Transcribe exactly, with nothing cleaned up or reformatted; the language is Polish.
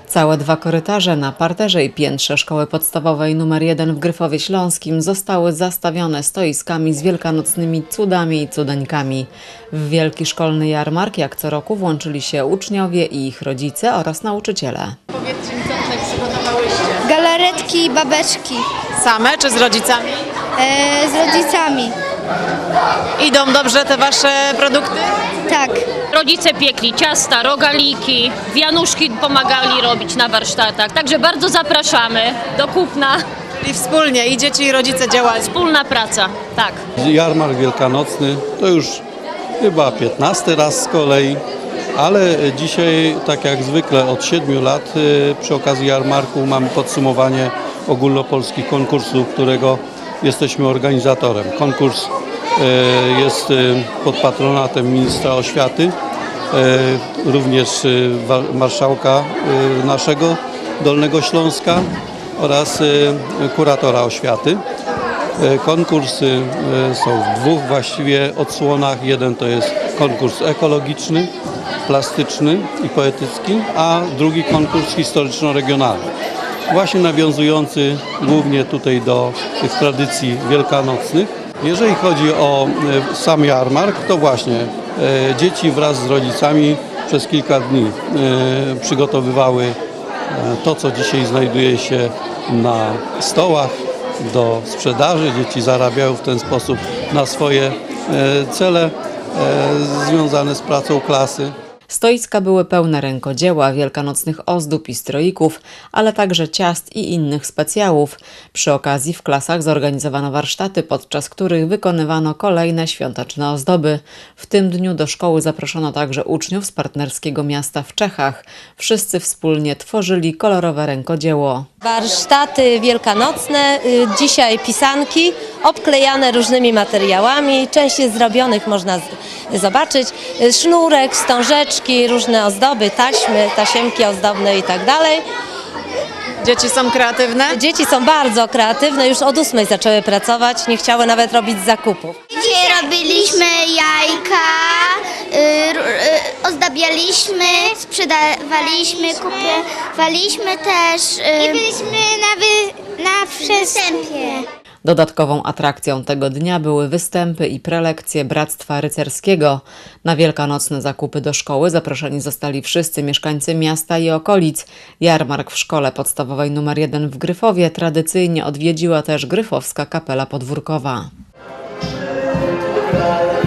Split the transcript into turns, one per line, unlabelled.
Całe dwa korytarze na parterze i piętrze szkoły podstawowej nr jeden w Gryfowie Śląskim zostały zastawione stoiskami z wielkanocnymi cudami i cudeńkami. W wielki szkolny jarmark jak co roku włączyli się uczniowie i ich rodzice oraz nauczyciele.
Powiedzcie mi, co tutaj przygotowałyście?
Galaretki i babeczki
Same czy z rodzicami?
e, z rodzicami.
Idą dobrze te wasze produkty?
Tak.
Rodzice piekli ciasta, rogaliki, wianuszki pomagali robić na warsztatach. Także bardzo zapraszamy do kupna.
I wspólnie i dzieci i rodzice działają.
Wspólna praca, tak.
Jarmark wielkanocny to już chyba piętnasty raz z kolei, ale dzisiaj, tak jak zwykle od siedmiu lat, przy okazji jarmarku mamy podsumowanie ogólnopolskich konkursów, którego jesteśmy organizatorem. Konkurs jest pod patronatem ministra oświaty, również marszałka naszego Dolnego Śląska oraz kuratora oświaty. Konkursy są w dwóch właściwie odsłonach. Jeden to jest konkurs ekologiczny, plastyczny i poetycki, a drugi konkurs historyczno-regionalny. Właśnie nawiązujący głównie tutaj do tych tradycji wielkanocnych. Jeżeli chodzi o sam jarmark, to właśnie dzieci wraz z rodzicami przez kilka dni przygotowywały to, co dzisiaj znajduje się na stołach do sprzedaży. Dzieci zarabiają w ten sposób na swoje cele związane z pracą klasy.
Stoiska były pełne rękodzieła, wielkanocnych ozdób i stroików, ale także ciast i innych specjałów. Przy okazji w klasach zorganizowano warsztaty, podczas których wykonywano kolejne świąteczne ozdoby. W tym dniu do szkoły zaproszono także uczniów z partnerskiego miasta w Czechach. Wszyscy wspólnie tworzyli kolorowe rękodzieło.
Warsztaty wielkanocne, dzisiaj pisanki obklejane różnymi materiałami, część jest zrobionych, można zobaczyć, sznurek, wstążeczki, różne ozdoby, taśmy, tasiemki ozdobne i tak dalej.
Dzieci są kreatywne?
Dzieci są bardzo kreatywne, już od ósmej zaczęły pracować, nie chciały nawet robić zakupów.
Dzisiaj robiliśmy jajka, y, y, ozdabialiśmy, sprzedawaliśmy, kupowaliśmy też. Y, I byliśmy na, wy, na przystępie.
Dodatkową atrakcją tego dnia były występy i prelekcje Bractwa Rycerskiego. Na wielkanocne zakupy do szkoły zaproszeni zostali wszyscy mieszkańcy miasta i okolic. Jarmark w szkole podstawowej nr jeden w Gryfowie tradycyjnie odwiedziła też Gryfowska Kapela Podwórkowa.